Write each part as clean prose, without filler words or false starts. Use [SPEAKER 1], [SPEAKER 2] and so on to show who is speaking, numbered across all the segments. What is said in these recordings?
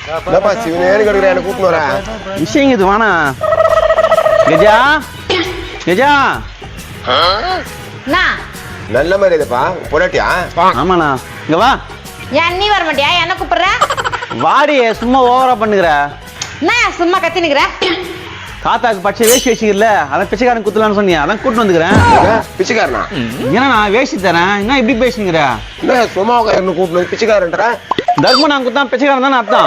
[SPEAKER 1] என்னப்பா சிவனேன்னு கிடக்குற என்ன கூப்பிட்டு வரா
[SPEAKER 2] விஷயம் இது வானா கஜா கஜா
[SPEAKER 1] நல்ல மாதிரி இதுப்பா பொடாட்டியா
[SPEAKER 2] ஆமாண்ணா இங்க வா
[SPEAKER 3] ஏன் நீ வர மாட்டியா என்ன கூப்பிடுற
[SPEAKER 2] வாடி சும்மா ஓவரா பண்ணுகிற
[SPEAKER 3] என்ன சும்மா கத்தி நிக்கிற
[SPEAKER 2] தாத்தாக்கு பச்சை வேஷ்டி வச்சுக்கல அதான் பிச்சைக்காரன் குத்துலான்னு சொன்னியா அதான் கூட்டு வந்துக்கிறேன்
[SPEAKER 1] பிச்சைக்காரனா
[SPEAKER 2] ஏன்னா நான் வேஷ்டி தரேன் என்ன இப்படி பேசுங்கிற
[SPEAKER 1] என்ன சும்மா கூப்பிட்டு வந்து பிச்சைக்காரன்ற
[SPEAKER 2] தர்மம் நான் குத்தான் பிச்சைக்காரன் தானே அர்த்தம்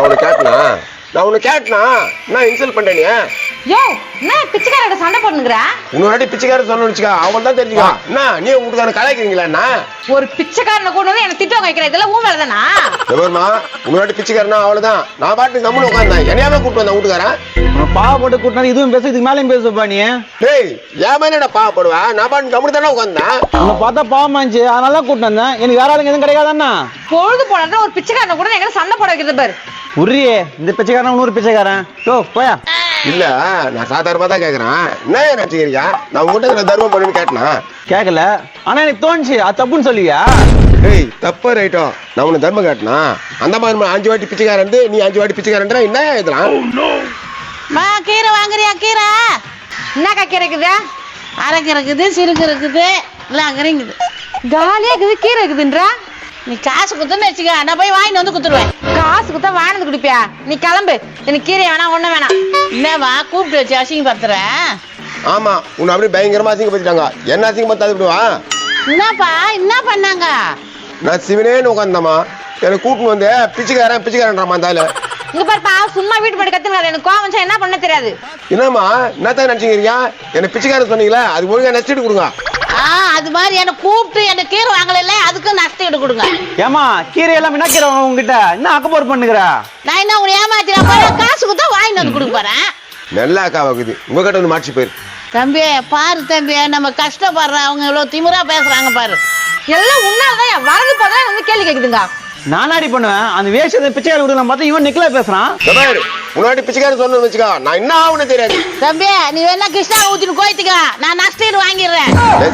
[SPEAKER 1] நான் உனக்கு கேட்டனா நான் இன்சல்ட் பண்றேன்
[SPEAKER 3] யோ என்ன பிச்சைக்காரட சண்டை போடுங்கற
[SPEAKER 1] உன்னோட பிச்சைக்காரன் சொன்னு வச்சுக்கா அவன் தான் தெரிஞ்சுக்கா என்ன நீ உங்களுக்கான கலாய்க்கிறீங்களா என்ன
[SPEAKER 3] ஒரு பிச்சைக்காரனை கொண்டு வந்து என்ன திட்டு வைக்கிற இதெல்லாம் ஊ வேலைதானா
[SPEAKER 1] எவர்மா உன்னோட பிச்சைக்காரனா அவ்வளவுதான் நான் பாட்டு கம்முன்னு உட்கார்ந்தேன் என்னையாவே கூப்பிட்டு வந்தேன் வீட்டுக்காரன்
[SPEAKER 2] பாவப்பட்டு கூட்டினா இதுவும் பேச இதுக்கு மேலேயும் பேசுப்பா நீ
[SPEAKER 1] டேய் ஏன் மேல நான் பாவப்படுவேன் நான் பாட்டு கம்முன்னு தானே உட்கார்ந்தேன்
[SPEAKER 2] உன்னை பார்த்தா பாவமாச்சு அதனால தான் கூட்டு வந்தேன் எனக்கு வேற ஆளுங்க எதுவும் கிடைக்காதா
[SPEAKER 3] பொழுது போனா ஒரு பிச்சைக்காரனை கூட எங்க சண்டை போட வைக்கிறது பாரு
[SPEAKER 2] உரியே இந்த பிச்சைக்காரன் இன்னொரு பிச்சைக்காரன் யோ போயா
[SPEAKER 1] இல்ல நான் சாதாரணமா தான் கேக்குறேன் என்ன நினைச்சுக்கிறீங்க நான் உங்ககிட்ட தர்மம் பண்ணுன்னு கேட்டனா
[SPEAKER 2] கேட்கல ஆனா எனக்கு தோணுச்சு அது தப்புன்னு சொல்லுவியா
[SPEAKER 1] டேய் தப்பா ரைட்டோ நான் உனக்கு தர்மம் கேட்டனா அந்த மாதிரி 5 வாட்டி பிச்சைக்காரன் நீ 5 வாட்டி பிச்சைக்காரன்ற என்ன இதெல்லாம்
[SPEAKER 4] கீரை வாங்குறியா கீரை
[SPEAKER 3] என்னக்கா கீரை இருக்குது
[SPEAKER 4] அரைக்கு இருக்குது சிறுக்கு இருக்குது எல்லாம் அங்கறைங்குது
[SPEAKER 3] காலியா இருக்குது கீரை இருக்குதுன்றா
[SPEAKER 4] நீ காசு குத்துன்னு வச்சுக்க நான் போய் வாங்கிட்டு வந்து குத்துருவேன்
[SPEAKER 3] காசு குத்தா வாங்கினது குடிப்பியா நீ கிளம்பு எனக்கு கீரை வேணாம் ஒண்ணும் வேணாம்
[SPEAKER 4] என்னவா கூப்பிட்டு வச்சு அசிங்கப்படுத்துற
[SPEAKER 1] ஆமா உன்னை அப்படியே பயங்கரமா அசிங்கப்படுத்திட்டாங்க என்ன அசிங்கப்படுத்தாது விடுவா
[SPEAKER 4] என்னப்பா என்ன பண்ணாங்க
[SPEAKER 1] நான் சிவனேன்னு உட்காந்தம்மா எனக்கு கூப்பிட்டு வந்து பிச்சைக்காரன்றாமா இருந்தால
[SPEAKER 3] இங்க பாருப்பா சும்மா வீட்டு போட்டு கத்துனாரு எனக்கு கோவம் வந்துச்சா என்ன பண்ண தெரியாது
[SPEAKER 1] என்னம்மா என்னத்தான் நினைச்சுக்கிறீங்க என்ன பிச்சைக்காரன் சொன்னீங்களா அது ஒழுங்கா நெஸ்ட் கொடுங்க
[SPEAKER 4] அது மாதிரி என்ன கூப்பிட்டு என்ன கீரை வாங்கல அதுக்கு நஷ்டம் கொடுங்க
[SPEAKER 2] ஏமா கீரை எல்லாம் என்ன கீரை உங்ககிட்ட என்ன அக்கப்போர் பண்ணுகிற
[SPEAKER 4] நான் என்ன உன்னை ஏமாத்தினா போறேன் காசு கொடுத்தா வாங்கிட்டு வந்து கொடுக்க போறேன்
[SPEAKER 1] நல்லா அக்கா வாக்குது உங்ககிட்ட வந்து மாற்றி போயிரு
[SPEAKER 4] தம்பி பாரு தம்பி நம்ம கஷ்டப்படுறோம் அவங்க இவ்வளவு திமிரா பேசுறாங்க பாரு
[SPEAKER 3] எல்லாம் உன்னாலதான் வரது போதான் வந்து கேள்வி கேக்குதுங்க
[SPEAKER 2] நானாடி பண்ணுவேன் அந்த வேஷத்தை பிச்சைக்கார விடுலாம் பார்த்தா இவன் நிக்கல பேசுறான்
[SPEAKER 1] முன்னாடி பிச்சைக்காரன் சொன்னு வச்சுக்கா நான் என்ன ஆகுன்னு தெரியாது
[SPEAKER 4] தம்பி நீ வேணா கிருஷ்ணா ஊத்திட்டு கோயத்துக்க நான் நஷ்டம் வாங்கிடுறேன்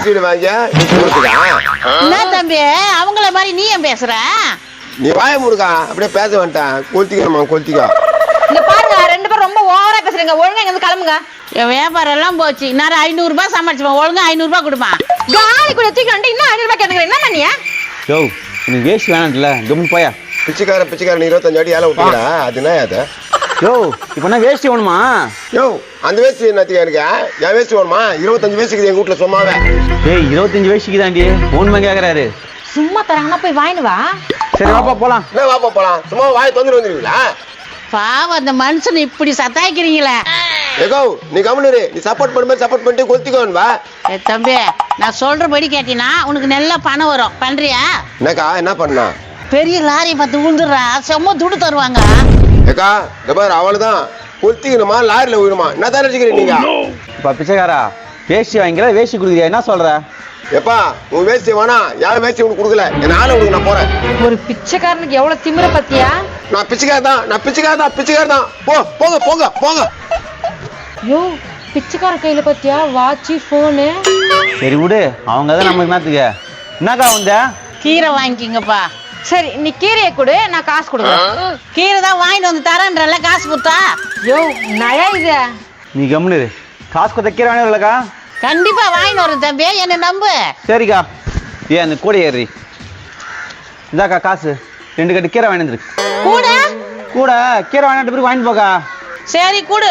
[SPEAKER 4] என்ன தம்பி அவங்கள மாதிரி நீ ஏன் பேசுற
[SPEAKER 1] நீ வாய முடுக்கா அப்படியே பேச வேண்டாம் கொளுத்திக்கா
[SPEAKER 3] இங்க பாருங்க 2 பேரும் ரொம்ப ஓவரா பேசுறீங்க ஒழுங்கா இங்க இருந்து கிளம்புங்க
[SPEAKER 4] என் வியாபாரம் எல்லாம் போச்சு நான் 500 ரூபாய் சமாளிச்சுப்பேன் ஒழுங்கா 500 ரூபாய் கொடுப்பான்
[SPEAKER 3] காலி கூட தூக்கிட்டு இன்னும் 500 ரூபாய் கேட்டுக்கிறேன் என்ன பண்ணியா
[SPEAKER 2] யோ எனக்கு வேஷ்டி வேணாம்ல கம்முன்னு போயா
[SPEAKER 1] பிச்சைக்காரன் 25 அடி ஏழை விட்டுடா அது என்ன அது
[SPEAKER 2] யோ இப்போ என்ன வேஷ்டி வேணுமா
[SPEAKER 1] யோ அந்த வேஷ்டி என்னத்துக்கு எனக்கு என் வேஷ்டி வேணுமா 25 வேஷ்டிக்கு எங்க வீட்டுல சும்மாவே
[SPEAKER 2] ஏய் 25 வேஷ்டிக்கு தாண்டி ஓன்மா கேக்குறாரு
[SPEAKER 3] சும்மா தராங்கன்னா போய் வாங்கிட்டு வா
[SPEAKER 2] சரி வாப்பா போலாம்
[SPEAKER 1] என்ன வாப்பா போலாம் சும்மா வாய் தொந்தரவு வந்துருவீங்களா
[SPEAKER 4] பாவம் அந்த மனுஷன் இப்படி சத்தாய்க்கிறீங்களே
[SPEAKER 1] ஏகோ நீ கவனிரு நீ சப்போர்ட் பண்ணிட்டு கொளுத்திக்கோன்னு வா
[SPEAKER 4] தம்பி நான் சொல்றபடி கேட்டீங்கன்னா உனக்கு நல்ல பணம் வரும் பண்றியா
[SPEAKER 1] என்னக்கா என்ன பண்ணா
[SPEAKER 4] பெரிய லாரி பார்த்து விழுந்துடுறா செம்ம துடு தருவாங்க
[SPEAKER 1] ஏக்கா இந்த பாரு அவளுதான் கொளுத்திக்கணுமா லாரில விழுமா என்ன தான் நினைச்சுக்கிறீங்க நீங்க
[SPEAKER 2] இப்போ பிச்சைக்காரா வேஷ்டி வாங்கிக்கிற வேஷ்டி கொடுக்குறியா என்ன சொல்ற
[SPEAKER 1] எப்பா உன் வேஷ்டி வேணா யாரும் வேஷ்டி உனக்கு கொடுக்கல என் ஆளை உனக்கு நான் போறேன்
[SPEAKER 3] ஒரு பிச்சைக்காரனுக்கு எவ்வளவு திமிர பத்தியா
[SPEAKER 1] நான் பிச்சைக்காரன் தான் போங்க
[SPEAKER 3] யோ பிச்சைக்கார கையில பத்தியா வாட்சி போனு
[SPEAKER 2] சரி விடு அவங்க தான் நமக்கு என்னத்துக்கு என்னக்கா வந்த
[SPEAKER 4] கீரை வாங்கிக்கிங்கப்பா
[SPEAKER 3] சரி நீ கீரையை கொடு நான் காசு கொடுக்குறேன்
[SPEAKER 4] கீரை தான் வாங்கிட்டு வந்து தரேன்றல காசு கொடுத்தா
[SPEAKER 3] யோ நயா இது
[SPEAKER 2] நீ கம்முனு காசு கொடுத்த கீரை வாங்கி இல்லக்கா
[SPEAKER 4] கண்டிப்பா வாங்கிட்டு வரேன் தம்பி என்ன நம்பு
[SPEAKER 2] சரிக்கா ஏன் அந்த கூட ஏறி இந்தாக்கா காசு 2 கட்டு கீரை வாங்கிட்டு கூட கீரை வாங்கிட்டு பிறகு வாங்கிட்டு போக்கா
[SPEAKER 4] சரி கூடு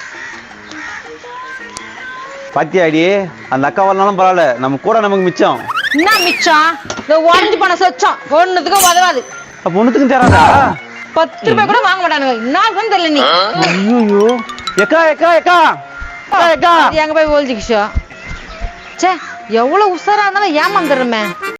[SPEAKER 2] பாத்தியாடி அந்த அக்கா வரலாம் பரவாயில்ல நம்ம கூட நமக்கு மிச்சம்
[SPEAKER 3] என்ன மிச்சம் இந்த உடஞ்சு போன சொச்சம் ஒண்ணுத்துக்கு உதவாது
[SPEAKER 2] அப்ப ஒண்ணுத்துக்கும் தராதா
[SPEAKER 3] 10 ரூபாய் கூட வாங்க மாட்டானுங்க என்ன தெரியல நீ
[SPEAKER 2] ஐயோ எக்கா
[SPEAKER 3] எங்க போய் ஒழிச்சுக்கிச்சோ சே எவ்வளவு உசாரா இருந்தாலும் ஏமாந்துடுறமே